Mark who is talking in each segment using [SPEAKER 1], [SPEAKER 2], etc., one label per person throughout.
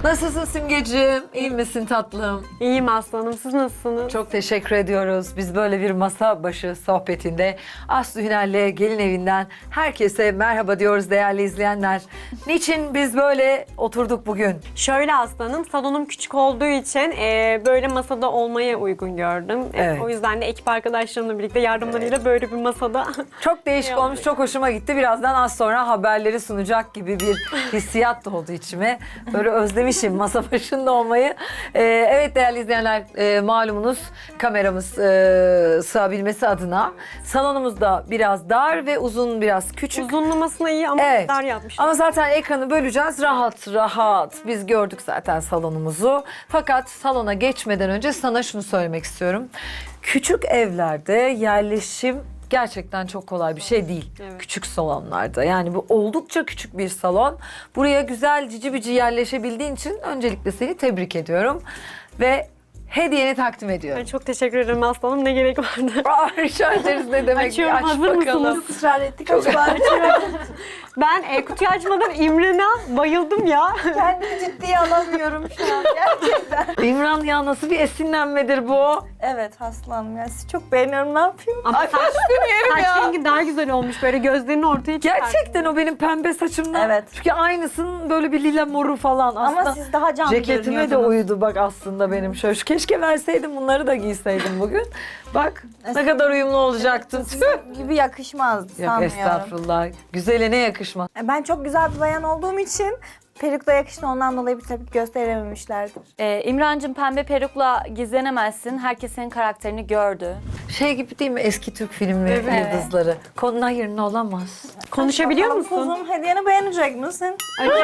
[SPEAKER 1] Nasılsın Simgeciğim? İyi misin tatlım?
[SPEAKER 2] İyiyim aslanım. Siz nasılsınız?
[SPEAKER 1] Çok teşekkür ediyoruz. Biz böyle bir masa başı sohbetinde Aslı Hünal'le gelin evinden herkese merhaba diyoruz değerli izleyenler. Niçin biz böyle oturduk bugün?
[SPEAKER 2] Şöyle aslanım, salonum küçük olduğu için böyle masada olmaya uygun gördüm.
[SPEAKER 1] Evet.
[SPEAKER 2] O yüzden de ekip arkadaşlarımla birlikte yardımlarıyla böyle bir masada.
[SPEAKER 1] Çok değişik olmuş, çok hoşuma gitti. Birazdan az sonra haberleri sunacak gibi bir hissiyat doğdu içime. Böyle özlemişim masa başında olmayı. Evet değerli izleyenler, malumunuz kameramız sığabilmesi adına salonumuz da biraz dar ve uzun biraz küçük.
[SPEAKER 2] Uzunlamasına iyi ama
[SPEAKER 1] Evet.
[SPEAKER 2] dar yapmışlar.
[SPEAKER 1] Ama zaten ekranı böleceğiz rahat rahat. Biz gördük zaten salonumuzu. Fakat salona geçmeden önce sana şunu söylemek istiyorum. Küçük evlerde yerleşim gerçekten çok kolay bir şey değil.
[SPEAKER 2] Evet.
[SPEAKER 1] Küçük salonlarda. Yani bu oldukça küçük bir salon. Buraya güzel cici bici yerleşebildiğin için öncelikle seni tebrik ediyorum. Ve hediyeni takdim ediyorum.
[SPEAKER 2] Ay, çok teşekkür ederim aslanım. Ne gerek vardı?
[SPEAKER 1] Rica ederiz ne demek.
[SPEAKER 2] Açıyorum,
[SPEAKER 1] Aç
[SPEAKER 2] hazır
[SPEAKER 1] bakalım.
[SPEAKER 2] mısınız?
[SPEAKER 3] Israr ettik. Çok
[SPEAKER 2] Ben kutuyu açmadan İmren'e bayıldım ya.
[SPEAKER 3] kendimi ciddiye alamıyorum şu an gerçekten.
[SPEAKER 1] İmran ya nasıl bir esinlenmedir bu?
[SPEAKER 3] Evet Aslanım ya sizi çok beğeniyorum, ne yapayım?
[SPEAKER 2] Ama
[SPEAKER 1] Ay
[SPEAKER 2] saç rengi daha güzel olmuş. Böyle gözlerini ortaya çıkartmış.
[SPEAKER 1] Gerçekten o benim pembe saçımdan.
[SPEAKER 3] Evet.
[SPEAKER 1] Çünkü aynısının böyle bir lila moru falan. Aslında
[SPEAKER 3] Ama siz daha canlı
[SPEAKER 1] ceketime de
[SPEAKER 3] görünüyordunuz.
[SPEAKER 1] uydu bak aslında benim. Şöyle keşke verseydim bunları da giyseydim bugün. Bak ne kadar uyumlu olacaktım. Tüh.
[SPEAKER 3] Gibi yakışmaz
[SPEAKER 1] Yok
[SPEAKER 3] sanmıyorum.
[SPEAKER 1] estağfurullah. Güzele ne yakışmaz.
[SPEAKER 3] Ben çok güzel bir bayan olduğum için perukla yakıştı, ondan dolayı bir tepki gösterememişlerdir.
[SPEAKER 4] İmrancığım, pembe perukla gizlenemezsin. Herkes senin karakterini gördü.
[SPEAKER 1] Şey gibi değil mi eski Türk filmleri
[SPEAKER 4] Evet.
[SPEAKER 1] yıldızları. Konuna yerine olamaz.
[SPEAKER 2] Konuşabiliyor
[SPEAKER 3] Bakalım
[SPEAKER 2] musun?
[SPEAKER 3] Kuzum, hediyeni beğenecek misin?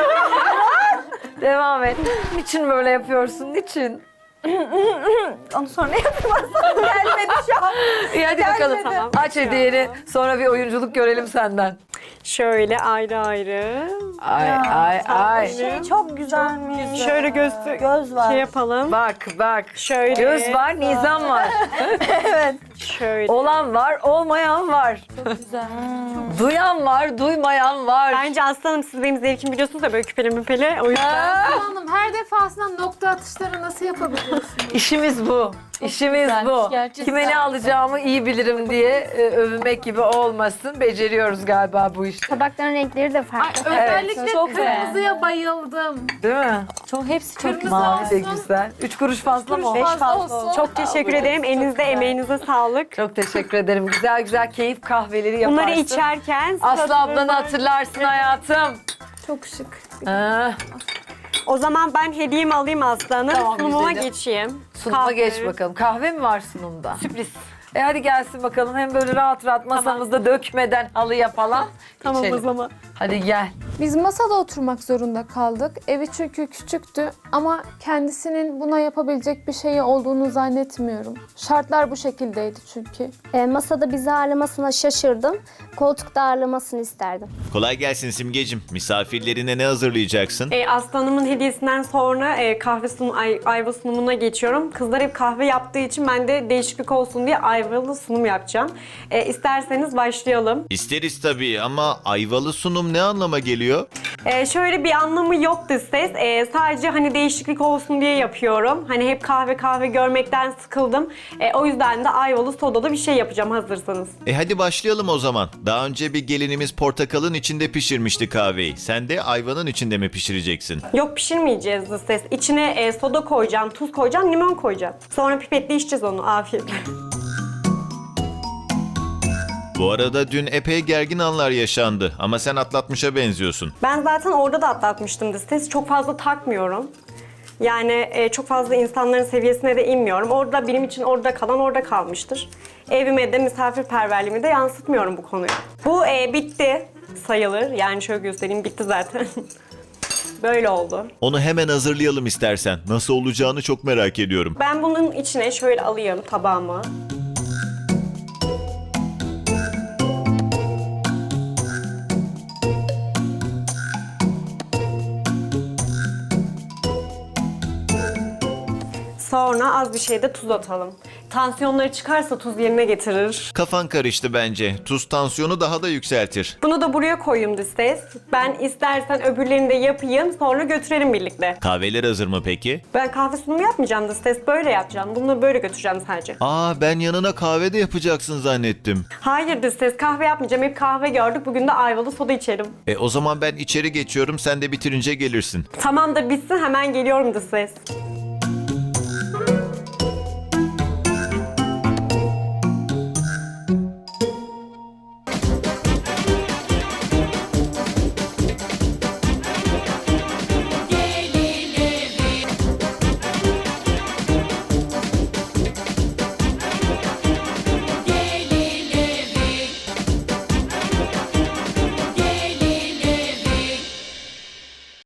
[SPEAKER 1] Devam et. Niçin böyle yapıyorsun? Niçin?
[SPEAKER 3] Onu sonra yapayım Aslanım. Gelmedi şu an.
[SPEAKER 1] İyi hadi bakalım.
[SPEAKER 2] Tamam.
[SPEAKER 1] Aç hediyeni. Sonra bir oyunculuk görelim senden.
[SPEAKER 2] Şöyle ayrı ayrı.
[SPEAKER 1] Ay ay ay.
[SPEAKER 3] Şey çok güzelmiş.
[SPEAKER 2] Şöyle
[SPEAKER 3] Göz var.
[SPEAKER 2] şey yapalım.
[SPEAKER 1] Bak.
[SPEAKER 2] Şöyle.
[SPEAKER 1] Göz var, nizam var.
[SPEAKER 2] Şöyle.
[SPEAKER 1] Olan var, olmayan var.
[SPEAKER 4] Güzel.
[SPEAKER 1] Duyan var, duymayan var.
[SPEAKER 2] Bence aslanım siz benim zevkimi biliyorsunuz da böyle küpeli müpeli. O yüzden.
[SPEAKER 5] Hanım her defasında nokta atışları nasıl yapabiliyorsun?
[SPEAKER 1] İşimiz bu. İşimiz
[SPEAKER 4] güzelmiş,
[SPEAKER 1] bu.
[SPEAKER 4] gerçekten.
[SPEAKER 1] Kime ne alacağımı iyi bilirim diye övünmek gibi olmasın. Beceriyoruz galiba bu işi.
[SPEAKER 6] Tabakların renkleri de
[SPEAKER 5] Ay,
[SPEAKER 6] farklı.
[SPEAKER 5] özellikle
[SPEAKER 4] çok güzel.
[SPEAKER 5] kırmızıya bayıldım.
[SPEAKER 1] Değil mi?
[SPEAKER 4] Hepsi çok
[SPEAKER 5] Kırmızı
[SPEAKER 4] güzel.
[SPEAKER 1] Mavi de
[SPEAKER 5] olsun.
[SPEAKER 1] güzel. 3 kuruş fazla mı?
[SPEAKER 3] Beş
[SPEAKER 5] Fazla
[SPEAKER 3] fazla
[SPEAKER 5] olsun.
[SPEAKER 2] Çok teşekkür ederim. Elinize, emeğinize sağlık.
[SPEAKER 1] Çok teşekkür ederim. Güzel güzel keyif kahveleri yaparsın.
[SPEAKER 2] Bunları içerken...
[SPEAKER 1] Aslı ablanı hatırlarsın hayatım.
[SPEAKER 5] Çok şık.
[SPEAKER 1] Ha,
[SPEAKER 2] O zaman ben hediyemi alayım aslanım.
[SPEAKER 1] Tamam,
[SPEAKER 2] Sunumuma
[SPEAKER 1] güzelim.
[SPEAKER 2] geçeyim.
[SPEAKER 1] sunuma
[SPEAKER 2] Kahve.
[SPEAKER 1] geç bakalım. Kahve mi var sunumda?
[SPEAKER 2] Sürpriz.
[SPEAKER 1] Hadi gelsin bakalım. Hem böyle rahat rahat masamızda dökmeden halıya falan
[SPEAKER 2] Tamam
[SPEAKER 1] içelim.
[SPEAKER 2] o zaman.
[SPEAKER 1] Hadi gel.
[SPEAKER 5] Biz masada oturmak zorunda kaldık. Evi çünkü küçüktü ama kendisinin buna yapabilecek bir şeyi olduğunu zannetmiyorum. Şartlar bu şekildeydi çünkü.
[SPEAKER 6] Masada bizi ağırlamasına şaşırdım. Koltukta ağırlamasını isterdim.
[SPEAKER 7] Kolay gelsin Simgeciğim. Misafirlerine ne hazırlayacaksın?
[SPEAKER 2] Aslanımın hediyesinden sonra ayva sunumuna geçiyorum. Kızlar hep kahve yaptığı için ben de değişiklik olsun diye ayvalı sunum yapacağım. İsterseniz başlayalım.
[SPEAKER 7] İsteriz tabii ama ayvalı sunum ne anlama geliyor?
[SPEAKER 2] Şöyle bir anlamı yok dış ses. Sadece hani değişiklik olsun diye yapıyorum. Hani hep kahve görmekten sıkıldım. O yüzden de ayvalı sodalı bir şey yapacağım hazırsanız.
[SPEAKER 7] Hadi başlayalım o zaman. Daha önce bir gelinimiz portakalın içinde pişirmişti kahveyi. Sen de ayvanın içinde mi pişireceksin?
[SPEAKER 2] Yok pişirmeyeceğiz dış ses. İçine soda koyacağım, tuz koyacağım, limon koyacağım. Sonra pipetle içeceğiz onu. Afiyetle.
[SPEAKER 7] Bu arada dün epey gergin anlar yaşandı ama sen atlatmışa benziyorsun.
[SPEAKER 2] Ben zaten orada da atlatmıştım dış ses. Çok fazla takmıyorum. Yani çok fazla insanların seviyesine de inmiyorum. Orada benim için orada kalan orada kalmıştır. Evime de misafirperverliğimi de yansıtmıyorum bu konuyu. Bu bitti sayılır. Yani şöyle göstereyim, bitti zaten. Böyle oldu.
[SPEAKER 7] Onu hemen hazırlayalım istersen. Nasıl olacağını çok merak ediyorum.
[SPEAKER 2] Ben bunun içine şöyle alayım tabağımı. Sonra az bir şey de tuz atalım. tansiyonları çıkarsa tuz yerine getirir.
[SPEAKER 7] Kafan karıştı bence. Tuz tansiyonu daha da yükseltir.
[SPEAKER 2] Bunu da buraya koyayım dış ses. Ben istersen öbürlerini de yapayım, sonra götürelim birlikte.
[SPEAKER 7] Kahveler hazır mı peki?
[SPEAKER 2] Ben kahve sunumu yapmayacağım dış ses, böyle yapacağım. Bunları böyle götüreceğim sadece.
[SPEAKER 7] Aa, ben yanına kahve de yapacaksın zannettim.
[SPEAKER 2] Hayır dış ses, kahve yapmayacağım. Hep kahve gördük. Bugün de ayvalı soda içelim.
[SPEAKER 7] O zaman ben içeri geçiyorum, sen de bitirince gelirsin.
[SPEAKER 2] Tamam da bitsin, hemen geliyorum dış ses.